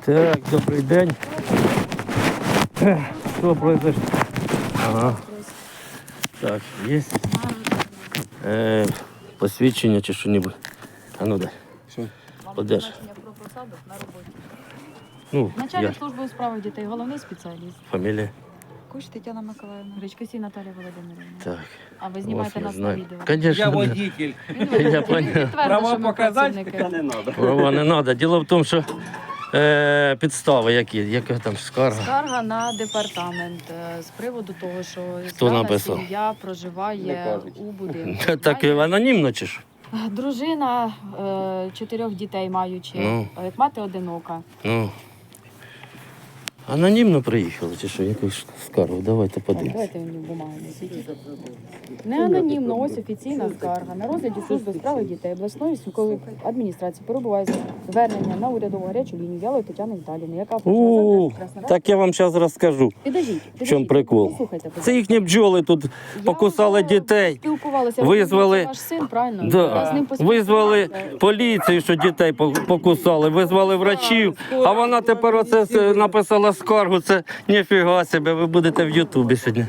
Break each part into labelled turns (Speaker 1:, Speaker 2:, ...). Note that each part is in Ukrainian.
Speaker 1: Так, добрий день. Що произошло? Ага. Так, є посвідчення чи що-небудь. А ну дай.
Speaker 2: Що?
Speaker 1: Подеш.
Speaker 3: Призначення про посаду на роботі.
Speaker 1: Ну,
Speaker 3: Начальник
Speaker 1: я.
Speaker 3: служби у справах дітей, головний спеціаліст.
Speaker 1: Фамілія.
Speaker 3: Куч Тетяна Миколаївна. Гречкосій Наталія Володимирівна.
Speaker 1: Так.
Speaker 3: А ви знімаєте
Speaker 1: Ось
Speaker 3: нас
Speaker 1: я
Speaker 3: на
Speaker 1: знаю.
Speaker 3: відео.
Speaker 1: Конечно,
Speaker 2: Я
Speaker 1: да.
Speaker 2: водитель.
Speaker 1: Я понял.
Speaker 2: Права показати, таке не треба.
Speaker 1: Права не треба. Діло в тому, що підстави які? Яка там скарга?
Speaker 3: Скарга на департамент з приводу того, що
Speaker 1: Хто
Speaker 3: дана
Speaker 1: написав?
Speaker 3: сім'я
Speaker 2: Не
Speaker 3: проживає
Speaker 2: кажуть.
Speaker 3: у будинку.
Speaker 1: Так анонімно чи що?
Speaker 3: Дружина 4 дітей маючи,
Speaker 1: Ну.
Speaker 3: як мати одинока.
Speaker 1: Ну. Анонімно приїхали чи що? Якусь скаргу? Давайте подивимося.
Speaker 3: Давайте мені бумагу несіть. Не анонімно, ось офіційна скарга. На розгляді служби справи дітей обласної військової адміністрації перебуває звернення на урядову гарячу лінію Ялої Тетяни Віталіївни, яка
Speaker 1: Так я вам зараз розкажу.
Speaker 3: Підождіть,
Speaker 1: В чому прикол?
Speaker 3: Послухайте,
Speaker 1: Це їхні бджоли тут покусали дітей.
Speaker 3: Спілкувалися.
Speaker 1: Визвали-
Speaker 3: Ви ваш син, правильно? Я з
Speaker 1: Да.
Speaker 3: ним
Speaker 1: Визвали
Speaker 3: поспілкувалася.
Speaker 1: поліцію, що дітей покусали, визвали врачів, а вона тепер оце написала скаргу. Це ніфіга себе, ви будете в Ютубі сьогодні.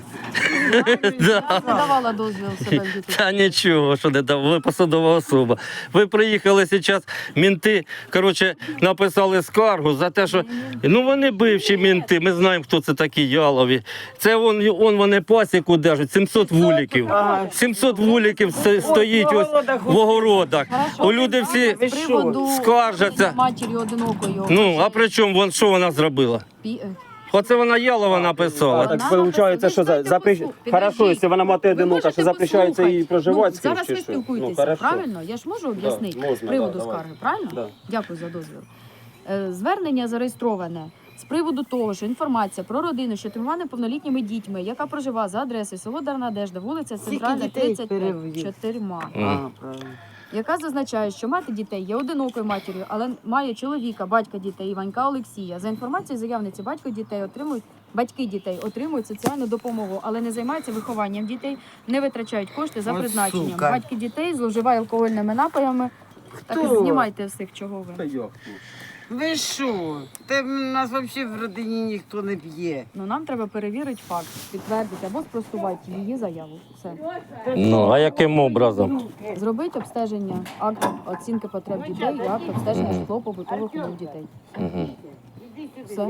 Speaker 3: Я не давала дозвіл себе в YouTube.
Speaker 1: Та нічого, що не дав, ви посадова особа. Ви приїхали зараз, мінти, коротше, написали скаргу за те, що, ну вони бивші мінти, ми знаємо, хто це такі ялові. Це вони пасіку держать, 700 вуликів. 700 вуликів стоїть ось в огородах. У люди всі
Speaker 3: З приводу
Speaker 1: скаржаться.
Speaker 3: матір'ю одинокою.
Speaker 1: Ну, а при чому, що вона зробила? Оце вона ялова написала.
Speaker 3: Так,
Speaker 2: Так виходить, що хорошо, якщо вона мати одинока, що запрещається їй проживати з кимось,
Speaker 3: Зараз
Speaker 2: чи
Speaker 3: ви
Speaker 2: що?
Speaker 3: спілкуєтеся,
Speaker 2: хорошо.
Speaker 3: правильно? Я ж можу об'яснити
Speaker 2: можна,
Speaker 3: з приводу
Speaker 2: да, давай.
Speaker 3: скарги, правильно?
Speaker 2: Да.
Speaker 3: Дякую за дозвіл. Звернення зареєстроване з приводу того, що інформація про родину, що тримає неповнолітніми дітьми, яка проживає за адресою село Дарнадежда, вулиця Центральна, 35, 4,
Speaker 2: Правильно.
Speaker 3: яка зазначає, що мати дітей є одинокою матір'ю, але має чоловіка, батька дітей Іванька Олексія. За інформацією заявниці, батьки дітей отримують соціальну допомогу, але не займаються вихованням дітей, не витрачають кошти за
Speaker 2: Ой,
Speaker 3: призначенням.
Speaker 2: сука.
Speaker 3: Батьки дітей зловживають алкогольними напоями. Так
Speaker 4: Хто?
Speaker 3: знімайте всіх, чого
Speaker 2: Та
Speaker 3: ви.
Speaker 2: як тут?
Speaker 4: Ви що? Та в нас взагалі в родині ніхто не п'є.
Speaker 3: Ну нам треба перевірити факт, підтвердити або спростувати її заяву. Все.
Speaker 1: Ну, а яким образом?
Speaker 3: Зробити обстеження, акт оцінки потреб дітей і акт обстеження житлово-побутових умов дітей.
Speaker 1: Угу.
Speaker 3: Все.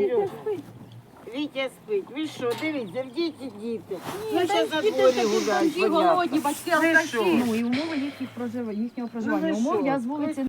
Speaker 4: Вітя спить. Ви що, дивіться, в діти діти. Ну, ще за дворі гуляють, понятно.
Speaker 3: батьки,
Speaker 4: Ви що?
Speaker 3: Ну і умови їхнього проживання.
Speaker 4: Ну, ви
Speaker 3: Умов
Speaker 4: що?
Speaker 3: я з вулиці